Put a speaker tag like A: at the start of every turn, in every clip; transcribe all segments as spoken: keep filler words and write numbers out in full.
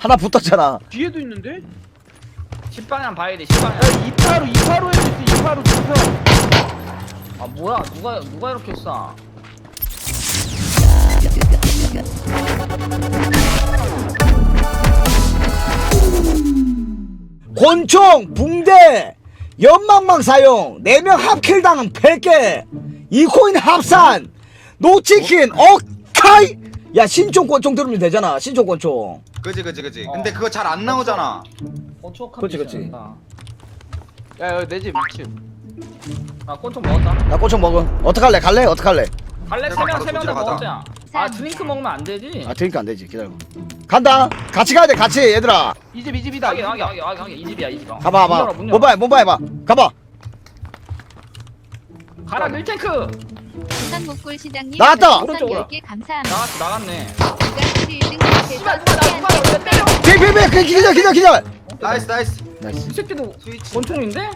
A: 하나 붙었잖아.
B: 뒤에도 있는데?
C: 십 방향 봐야 돼. 십 방향.
B: 야 이파로 이파로 해도 있어. 이파로 이파.
C: 아 뭐야? 누가 누가 이렇게 쏴?
A: 권총, 붕대, 연막망 사용, 네 명 합킬당 백 개, 이 코인 합산, 노치킨, 오카이! 야, 신총 권총 들으면 되잖아, 신총 권총.
D: 그지 그지 그지.
C: 어.
D: 근데 그거 잘 안 나오잖아.
C: 권총
A: 그치, 그치.
B: 야 여기 내집 이 층.
C: 아 권총 먹었다.
A: 나 권총 먹음. 어떡할래? 갈래? 어떡할래?
C: 갈래
D: 내가
C: 세명
D: 바로
C: 세 명 다
D: 조지러 가자.
C: 먹었잖아. 아 드링크 먹으면 안 되지.
A: 아, 드니까 안 되지. 기다려. 간다. 같이 가야 돼, 같이, 얘들아.
B: 이 집 이 집이다.
C: 하게 하게 하게 하게 하게 이 집이야 이 집아.
A: 가봐, 가봐. 모바일, 모바일 해봐. 가봐.
C: 가라 밀탱크.
E: 부산 목골 시장님
A: 나왔다!
C: 오른쪽으로.
E: 열 개 감사합니다.
C: 나갔 나갔네.
E: 제가 일 등
C: 씨발
E: 못해서
C: 누가 나 누가 나왜 때려?
A: 비비비, 그 기절, 기절, 기절.
D: 나이스 나이스.
A: 나이스.
C: 이 새끼도
D: 스위치.
C: 권총인데?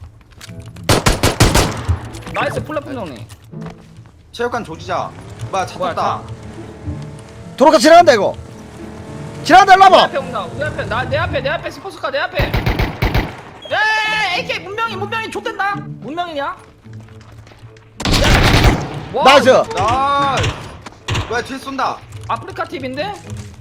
C: 나이스 플랫폼 정리.
D: 체육관 조지자. 뭐야 차
C: 뭐야
D: 탔다.
A: 도로가 지나간다, 이거. 지나간다, 일로
C: 내
A: 와봐.
C: 앞에 온다. 우리 앞에 나 내 앞에 내 앞에 스포츠카 내 앞에. 야 에이케이 문명이 문명이 좆된다. 문명이냐? 와,
A: 나이스.
D: 나이스. 뭐야 뒤에 쏜다.
C: 아프리카 팁인데?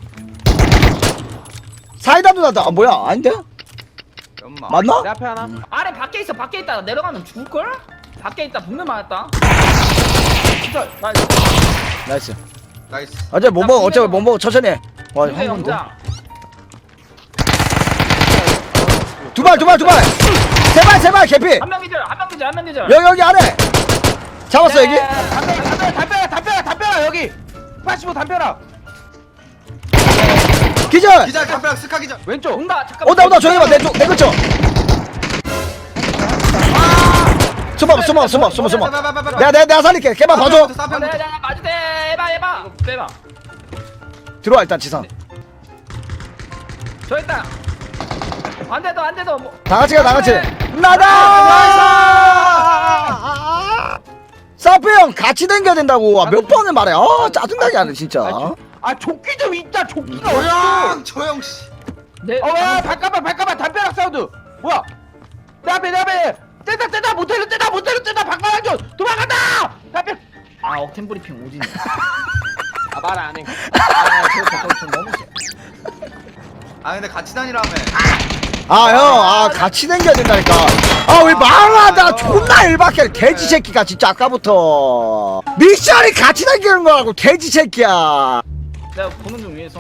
A: 사이다 누나다. 아, 뭐야? 아닌데?
D: 연마.
A: 맞나?
B: 내 앞에 하나.
C: 아래 밖에 있어 밖에 있다 내려가면 죽을걸? 밖에 있다 분명 맞았다. 진짜 나이스.
A: 나이스.
D: 나이스.
A: 어차피 못 먹어, 어차피 못 먹어. 천천히 해. 와,
C: 군대
A: 형,
C: 영장.
A: 두 발, 두 발, 두 발. 세 발, 세 발, 개피.
C: 한 명 기절 한 명 기절 한 명 기절.
A: 여기, 여기 아래. 잡았어, 여기?
B: 담배 담배 담배 담배 담배라 여기. 팔십오 담배라.
A: 기절.
D: 기자 담벼락 스카 기자.
B: 왼쪽.
C: 온다 잠깐만.
A: 온다, 온다. 조용히 봐. 내 쪽, 내 근처. 숨어, 숨어, 숨어, 숨어, 숨어. 내가, 내가, 내가 살릴게. 걔만 봐줘.
C: 아, 내가 내가 맞을 때 해봐 해봐 빼봐.
A: 들어와, 일단 지상.
C: 저 있다. 안 돼도 안 돼도 뭐.
A: 다 같이 가, 다 같이. 나다! 사페 형 같이 댕겨야 된다고. 아, 몇 번을 말해. 아, 짜증나게 하네, 진짜.
B: 아 조끼 좀 있다. 조끼가
D: 조용
B: 어딨어?
D: 조용 씨.
C: 내
B: 어야 잠깐만 잠깐만 담벼락 사운드. 뭐야? 내 앞에 내 앞에. 떼다 떼다 모텔로 떼다 모텔로 떼다 박만한 줄 도망간다. 담벼.
C: 아 억텐 브리핑 오지네.
B: 아말 안 해.
C: 아저저 너무 세.
D: 아 근데 같이 다니라며.
A: 아, 형, 아, 같이 댕겨야 된다니까. 아, 왜 말하다 존나 일박해. 돼지 새끼가 진짜 아까부터. 미션이 같이 댕기는 거라고, 돼지 새끼야.
C: 내가 보는 중 위에서.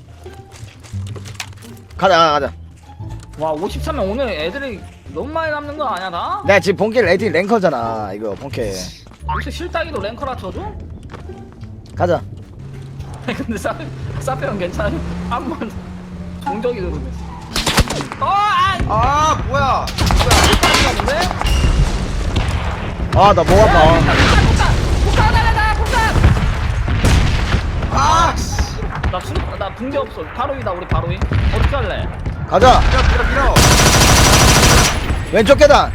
A: 가자, 가자.
C: 와 오십삼 명 오늘 애들이 너무 많이 남는 거 아니야 나?
A: 내가 지금 본캐 레디 랭커잖아, 이거, 본캐.
C: 혹시 실따기도 랭커라 쳐줘?
A: 가자.
C: 근데 사 사페 형 괜찮아? 한번 동적이 들으면. 어, 아,
D: 아 뭐야.
C: 못하는데?
A: 아, 나 뭐 한다.
C: 폭탄, 폭탄, 폭탄 날라다, 폭탄.
D: 아 씨.
C: 나 수, 나 붕대 없어. 바로 위다 우리 바로 위. 어떻게 할래?
A: 가자.
D: 밀어 밀어 밀어.
A: 왼쪽 계단.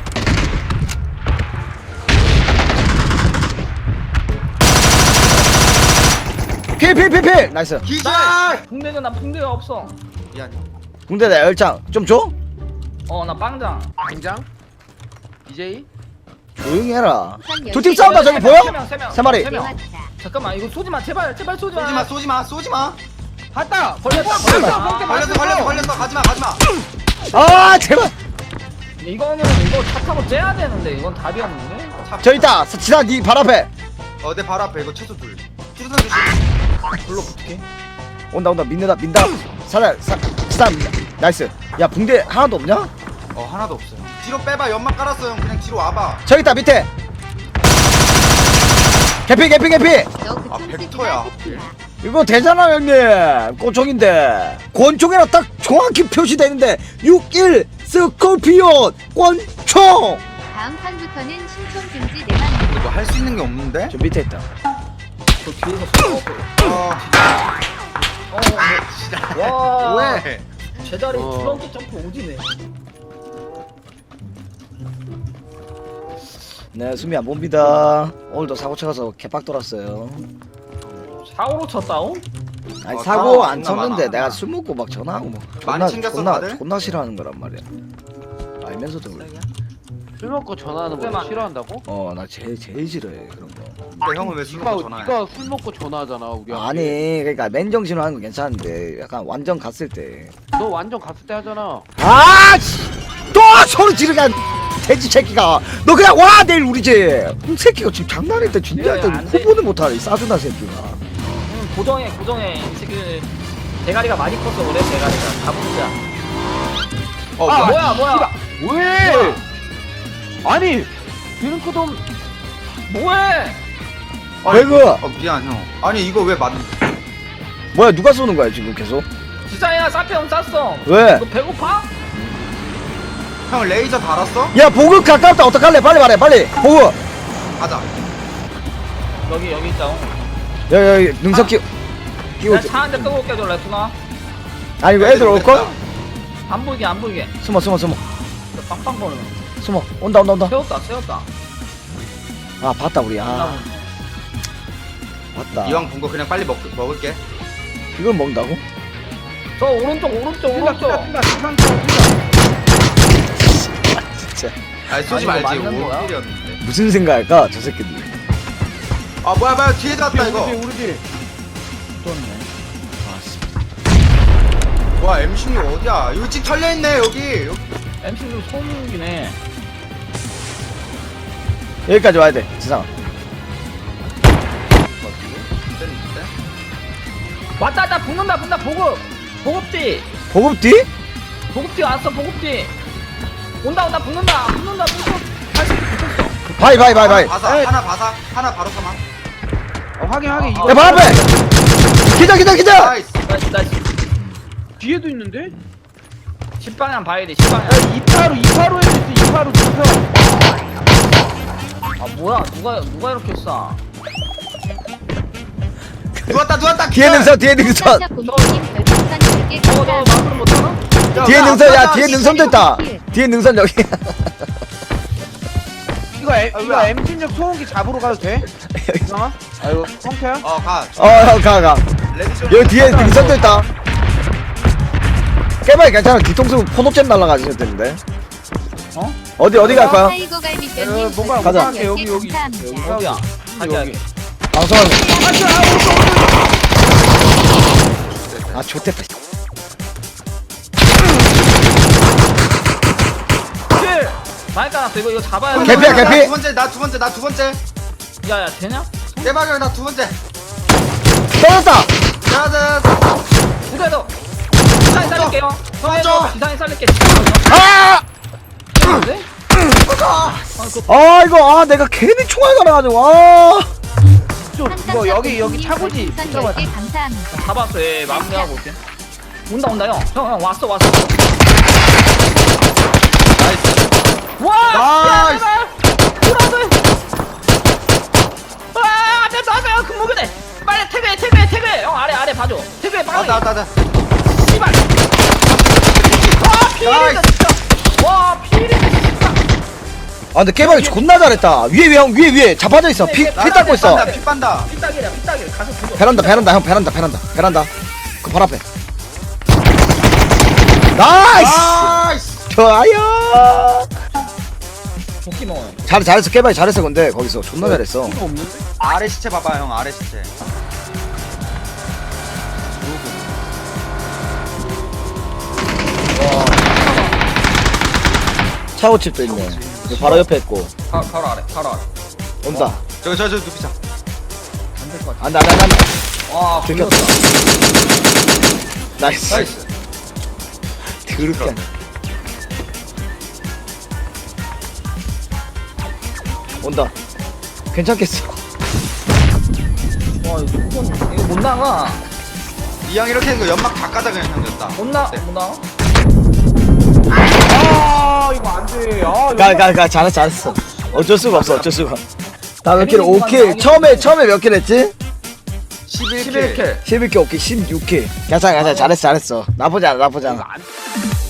A: 피, 피, 피, 피. 나이스.
D: 기절.
C: 붕대는 나 붕대가 없어.
D: 미안.
A: 군대 내 열장. 좀 줘?
C: 어, 나 빵장.
B: 당장. 디제이.
A: 조용히 해라.
E: 부산
A: 두 팀
E: 열 개
A: 싸운다, 저기 보여?
C: 세 명, 세 명.
A: 세 마리.
C: 세 명.
E: 대화다.
C: 잠깐만 이거 쏘지 마, 제발, 제발 쏘지 마.
D: 쏘지 마 쏘지 마 쏘지 마.
B: 봤다.
C: 걸렸다,
B: 걸렸어.
C: 걸렸다.
B: 그렇게
D: 걸렸어 걸렸어 걸렸어. 가지 마 가지 마.
A: 아, 제발.
C: 이거는 이거 차 타고 째야 되는데 이건 답이 없는데.
A: 저 있다. 지난 니발 앞에.
D: 어내 바로 앞에 이거 최소 둘. 수류탄 조심.
C: 불러 붙게.
A: 온다, 온다. 민는다, 민다. 사자, 사, 지난 민다. 나이스. 야, 붕대 하나도 없냐?
D: 어 하나도 없어요. 뒤로 빼봐. 연막 깔았어 형. 그냥 뒤로 와봐.
A: 저기 있다, 밑에. 개피, 개피, 개피.
E: 너
D: 아,
E: 그쪽
D: 벡터야.
E: 새끼야.
A: 이거 되잖아, 형님. 권총인데. 권총이라 딱 정확히 표시되는데. 육일 스콜피온 권총.
E: 다음 판부터는 신청 금지 내만.
D: 이거 할 수 있는 게 없는데?
A: 저 밑에 있다.
C: 저 뒤에서 쏘고.
D: 어.
C: 어, 와.
D: 왜?
C: 제자리
B: 어.
C: 트렁크 점프 오지네.
A: 네, 수미 안 봅니다. 오늘도 사고 쳐가서 개빡 돌았어요.
C: 사고로 쳤다오?
A: 아니
D: 어,
A: 사고
D: 사고
A: 안
D: 존나
A: 쳤는데
D: 많아.
A: 내가 술 먹고 막 전화하고 뭐
D: 많이
A: 존나
D: 챙겼어,
A: 존나
D: 다들?
A: 존나 싫어하는 거란 말이야. 알면서도 그래.
B: 술 먹고 전화하는 거
C: 그때만-
B: 싫어한다고?
A: 어나 제일 제일 싫어해 그런 거.
D: 근데 형은 왜 술
B: 니가
D: 먹고 전화해?
B: 니가 술 먹고 전화하잖아 우리한테.
A: 아니 그러니까 맨정신으로 하는 건 괜찮은데 약간 완전 갔을 때.
B: 너 완전 갔을 때 하잖아.
A: 아! 씨! 또 소리 지르게 한 돼지 새끼가 너 그냥 와 내일 우리 집. 이 새끼가 지금 장난일 때 진지할 때
C: 야, 안 돼.
A: 구분을 못하네 이 싸주나 새끼가.
C: 응, 고정해 고정해 이 새끼 대가리가 많이 컸어 그래 대가리가 다 보자.
D: 어
C: 아
D: 뭐야?
C: 뭐야 뭐야
B: 왜? 아니 드링크도
C: 뭐해?
A: 배그
D: 어 미안 형. 아니 이거 왜 맞?
A: 뭐야 누가 쏘는 거야 지금 계속?
C: 지상이야 사페형 쐈어.
A: 왜?
C: 너 배고파?
D: 형 레이저 달았어?
A: 야 보급 가깝다 어떡할래 빨리 말해 빨리 보급.
D: 가자.
C: 여기 여기 있다.
A: 야 야 능선 끼 끼고
C: 내가 차 한 대 끄고 올게 저 레투나.
A: 아니 이거 애들 올걸?
C: 안 보이게 안 보이게.
A: 숨어 숨어 숨어
C: 빵빵 거리는.
A: 숨어 온다 온다 온다.
C: 세웠다 세웠다.
A: 아 봤다 우리 아
C: 나
A: 봤다.
D: 이왕 본 거 그냥 빨리 먹 먹을게.
A: 이걸 먹는다고?
C: 저 오른쪽 오른쪽
B: 뛴다
C: 오른쪽.
B: 뛴다 뛴다 지상 뛴다.
A: 진짜
D: 아니 쏘지
C: 아니, 이거
D: 말지.
C: 맞는 거야?
D: 오킬이었는데.
A: 무슨 생각할까 저 새끼들.
D: 아 뭐야 뭐야 뒤에 잡았다 이거.
B: 우리 우리 집.
A: 아씨.
D: 와 엠십육 어디야? 여기 집 털려 있네 여기. 여기.
C: 엠씨는 소음기네.
A: 여기까지 와야 돼 지상아.
C: 왔다 왔다 붙는다 붙는다 보급 보급뒤
A: 보급 뒤?
C: 보급뒤 왔어 보급뒤. 온다 온다 붙는다 붙는다 붙어. 다시 붙었어.
A: 바이 바이 바이 바이.
D: 바사
B: 에이.
D: 하나 바사 하나 바로 사망.
B: 어, 확인 확인.
C: 어,
B: 이거
A: 야 발 앞에. 기자 기자 기자.
D: 나이스.
C: 나이스 나이스.
B: 뒤에도 있는데?
C: 십 방향 봐야 돼 십 방향.
B: 야 이파로 이파로에 있어 이파로 이파로.
C: 아 뭐야 누가 누가 이렇게 쏴?
D: 누웠다 누웠다.
A: 뒤에 능선 뒤에 능선.
E: 깜짝 공주님 별풍선 열 개
C: 저거 너
E: 감사합니다.
C: 마크를 못하나?
A: 뒤에 능선 야 뒤에
E: 씨,
A: 능선도 있다.
E: 씨.
A: 뒤에 능선 여기.
B: 이거 엠,
D: 아,
B: 이거
D: 뭐야?
B: 엠십육 소음기 잡으러 가도 돼? 이상아? 아 이거 성태야?
D: 어 가.
A: 어가 가.
D: 레디션.
A: 여기 뒤에 능선도 있다. 깨봐야 괜찮아. 뒤통수 포노잼 날라가지고 되는데.
C: 어?
A: 어디 어디 갈 거야?
E: 타이거
B: 어,
E: 갈비뼈님
B: 뭔가
A: 가자.
E: 별풍선 열 개
B: 여기, 여기.
E: 감사합니다.
C: 어디야? 가게 하게.
A: 방송하는 거. 아 좋댔다.
C: 킬! 많이 까놨어 이거 이거 잡아야 돼.
A: 개피야, 개피.
D: 두 번째 나 두 번째 나 두 번째.
C: 야야 되냐?
D: 대박이야 나 두 번째.
A: 떨어졌다.
D: 자자.
C: 그래도 지상이 살릴게요.
D: 맞죠?
C: 형에서 지상이 살릴게.
A: 아!
C: 네?
A: 아 이거 아 내가 괜히 총알 갈아가지고 아.
B: 좀 이거 여기 여기 차고지.
E: 별풍선 열 개 감사합니다.
C: 잡았어 얘 마무리하고 올게. 온다 온다 형. 형 형 왔어 왔어. 와!
D: 나이스.
C: 돌아서. 아, 앞에 나가요. 금목이네. 빨리 태그해, 태그해, 태그해. 형 아래 아래 봐줘. 태그해 빨리.
D: 나나 나.
C: 씨발. 아, 피해린다 진짜. 와, 피해린다 진짜.
A: 아 근데 깨박이 존나 잘했다. 위에 위에 형 위에 위에 잡아져 있어. 피 피 닦고 있어.
D: 피 빤다.
C: 삐딱이야, 삐딱이. 가서 보고.
A: 베란다 베란다 형 베란다 베란다 베란다. 그 발 앞에. 나이스.
D: 나이스.
A: 좋아요.
C: 도끼 먹어요.
A: 잘 잘했어 깨박이 잘했어 근데 거기서 존나 잘했어.
B: 이거 없는데?
D: 아래 시체 봐봐 형 아래 시체.
A: 차고집도 있네. 여기 바로 옆에 있고
C: 바, 바로 아래, 바로 아래.
A: 온다.
D: 저기 저저 눕히자.
C: 안될 것 같아.
A: 안돼 안돼 안돼.
C: 와,
A: 들켰다.
C: 굴렸다.
A: 나이스.
D: 나이스.
A: 드럽게. 온다. 괜찮겠어.
C: 와, 이거 무슨 이거 못 나가.
D: 이왕 이렇게 된 거 연막 다 까자 그냥 생겼다.
C: 못 나,
D: 네.
C: 못 나가.
B: 아 이거 안 돼. 아 이거
A: 가 가 가 잘했어 잘했어. 어쩔 수가 없어 어쩔 수가. 나 몇 킬? 오 킬. 처음에 처음에 몇 킬 했지?
D: 십일 킬.
C: 십일 킬.
A: 십일 킬 오 킬 십육 킬. 괜찮아 괜찮아 잘했어 잘했어. 나쁘지 않아 나쁘지
C: 이거
A: 않아.
C: 안